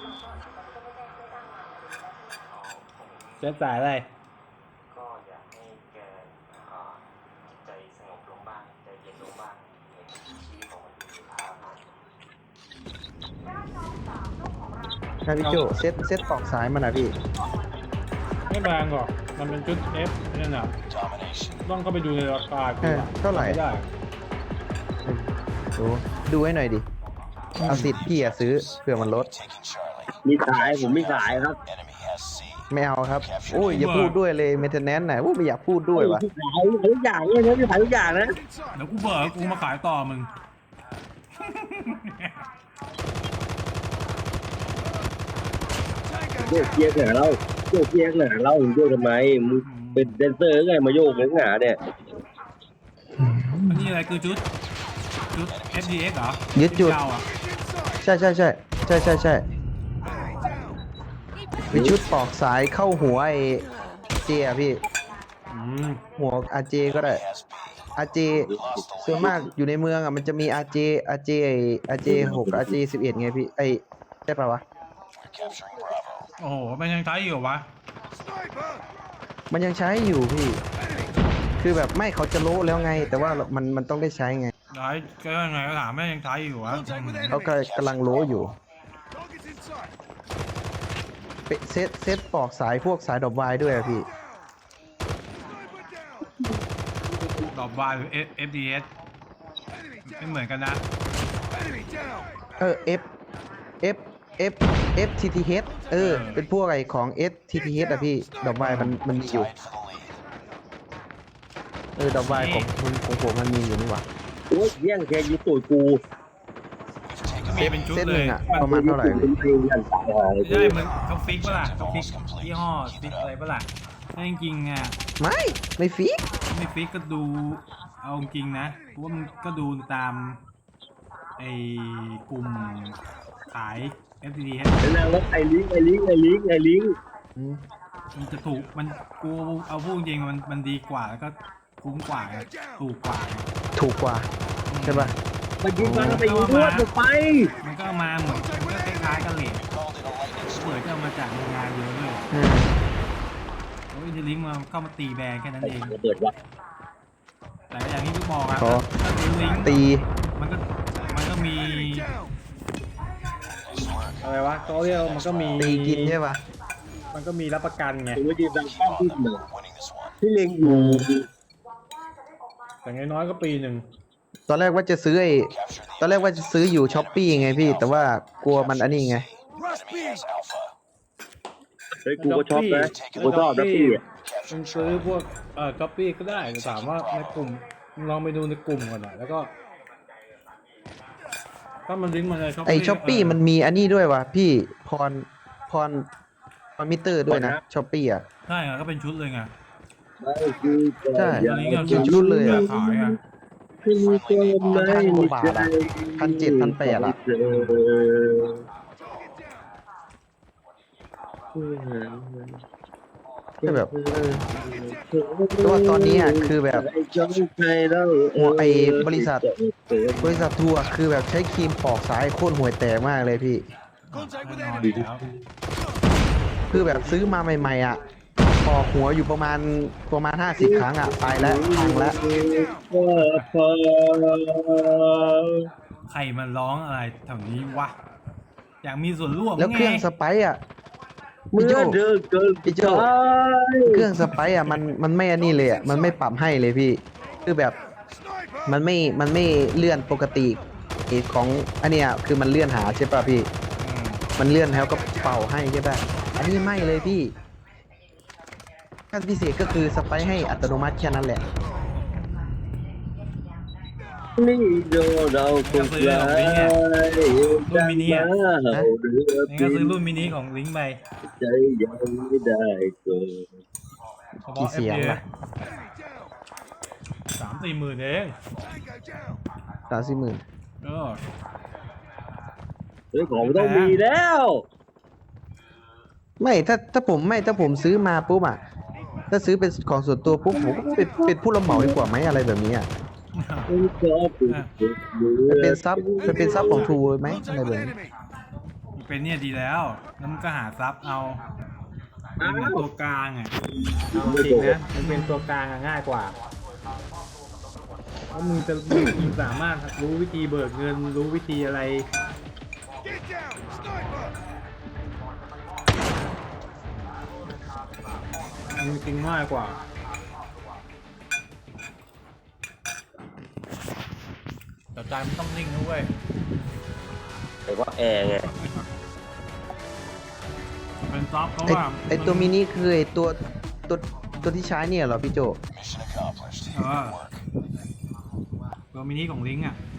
เส้นสายอะไรก็อยากให้แกจิตใจสงบลงบ้างใจเย็นลงบ้างเห็นชีวิตของมันมีค่ามากนะพี่โจเซตปอกสายมันนะพี่ไม่แพงหรอกมันเป็นชุด F นั่นน่ะต้องเข้าไปดูในราคาเท่าไหร่ไม่ได้ดูให้หน่อยดิเอาสิทธิ์พี่อะซื้อเผื่อมันลดมีขายผมไม่ขายครับไม่เอาครับโอ้ยอย่าพูดด้วยเลยเมนเทนแนนซ์ไหนโอ้ยไม่อยากพูดด้วยวะขายทุกอย่างเลยนะพี่ขายทุกอย่างนะเดี๋ยวกูเบิกกูมาขายต่อมึงโยกเกียร์เหนือเราโยกเกียร์เหนือเราโยกทำไมมึงเป็นแดนเซอร์ไงมาโยกเหนือเนี่ยอันนี้อะไรคือชุด FDX เหรอยึดจุดเก่าอ่ะใช่มีชุดปอกสายเข้าหัวไอเจอะพี่อืมหัวอาเจก็ได้อาเจส่วนมากอยู่ในเมืองอ่ะมันจะมีอาเจอาเจ6อาเจ11ไงพี่ไอใช่ปะวะโอ้โหมันยังใช้อยู่วะมันยังใช้อยู่พี่ คือแบบไม่เขาจะโละแล้วไง แต่ว่ามันต้องได้ใช้ไงใช้ก็ยังไงก็ถามแม่ยังใช้อยู่วะเขากำลังโละอยู่เซตปอกสายพวกสายดอกไม้ด้วยอะพี่ดอกบาร์หรือ FDS ไม่เหมือนกันนะ F F F F T T H เป็นพวกไอของ S T T H อะพี่ดอกไม้มันมีอยู่ดอกไม้ของผมมันมีอยู่นี่หว่าโอ้ยแย่งแกยิงตูดกูมีเป็นชุดเซตเลหนึ่ยงอะมันประมาณเท่าไหร่ผมเองยันตายหาเลยได้มันเขาฟิกปะล่ะเขาฟิกยี่ห้อฟิกอะไรปะล่ะถ้าจริงๆอ่ะไม่ฟิกไม่ฟิกก็ดูเอาจริงนะเพราะว่ามันก็ดูตามไอ้กลุ่มขาย FDS แล้วแล้วไอ้ลิงมันจะถูกมันกูเอาพูดจริงมันดีกว่าแล้วก็คุ้มกว่าไงถูกกว่าไงถูกกว่าใช่ป่ะมันยิงมาแล้วไปยิงด้วยไปมันก็มาเหมือนมันก็คล้ายๆกันเลยเปิดก็เอามาจากโรงงานเยอะเลยอืมโอ้ยจะลิงก์มาเข้ามาตีแบรแค่นั้นเองระเบิดวะแต่อย่างที่พี่บอกอะขอถ้าซื้อลิงก์ตีมันก็มีอะไรวะเขาเรียกมันก็มีตีกินใช่ป่ะมันก็มีรับประกันไงผมไม่ยืนดังป้อมที่เหนือที่เล็งอยู่แต่น้อยๆก็ปีหนึ่งตอนแรกว่าจะซื้ออยู่ช้อปปี้ไงพี่ แต่ว่ากลัวมันอันนี้ไงเฮ้ยกูก็ชอบนะกูชอบนะพี่มันซื้อพวกช้อปปี้ก็ได้แต่ถามว่าในกลุ่มลองไปดูในกลุ่มก่อนหน่อยแล้วก็ถ้ามันลิงก์มาในช้อปปี้ไอช้อปปี้มันมีอันนี้ด้วยว่ะพี่พรมิเตอร์ด้วยนะช้อปปี้อ่ะใช่อะก็เป็นชุดเลยไงใช่ลิงก์อะเป็นชุดเลยอะขายอะ 1,000 กว่าบาทอะ1,700 1,800อะก็แบบแต่ว่าตอนนี้อ่ะคือแบบหัวไอบริษัททัวร์คือแบบใช้ครีมปอกสายโคตรห่วยแตกมากเลยพี่แน่นอนอยู่แล้วคือแบบซื้อมาใหม่ๆอ่ะปอกหัวอยู่ประมาณ50 ครั้งอ่ะไปแล้วพังแล้วใครมันร้องอะไรแถวนี้วะอยากมีส่วนร่วมแล้วเครื่องไสไปซ์อ่ะเมื่อเดินเกินพี่โจเครื่องสไปซ์อ่ะมันไม่อันนี้เลยอ่ะมันไม่ปรับให้เลยพี่ คือแบบมันไม่เลื่อนปกติของอันเนี้ยคือมันเลื่อนหาใช่ป่ะพี่อืมมันเลื่อนแล้วก็เป่าให้ใช่ป่ะอันนี้ไม่เลยพี่ขั้นพิเศษก็คือสไปซ์ให้อัตโนมัติแค่นั้นแหละนี่โดเราคงไกลรุ่นมินิอ่ะนี่ก็ซื้อรุ่นมินิของลิงก์ไปใจยังไม่ได้เกินเฉพาะกี่เสียง FDS ล่ะ 3-4 หมื่นเอง 30,000 เออเฮ้ยของมันต้องมีแล้วไม่ถ้าผมซื้อมาปุ๊บอ่ะถ้าซื้อเป็นของส่วนตัวปุ๊บผมก็เป็นผู้รับเหมาดีกว่าไหมอะไรแบบนี้อ่ะมันเป็นซับของทูไหมอะไรแบบนี้เป็นเนี่ยดีแล้วแล้วมันก็หาซับเอาเป็นเหมือนตัวกลางอ่ะเอาจริงนะมันเป็นตัวกลางอะง่ายกว่าเพราะมึงจะมึงสามารถรู้วิธีเบิกเงินรู้วิธีอะไรมึงจริงง่ายกว่าแต่ใจมันต้องนิ่งนะเว้ยแต่ว่าแอร์ไงเป็นซอฟเพราะไอ้ว่าไอ้ตัวมินิคือไอ้ตัวที่ใช้เนี่ยเหรอพี่โจเออตัวมินิของลิงก์อ่ะ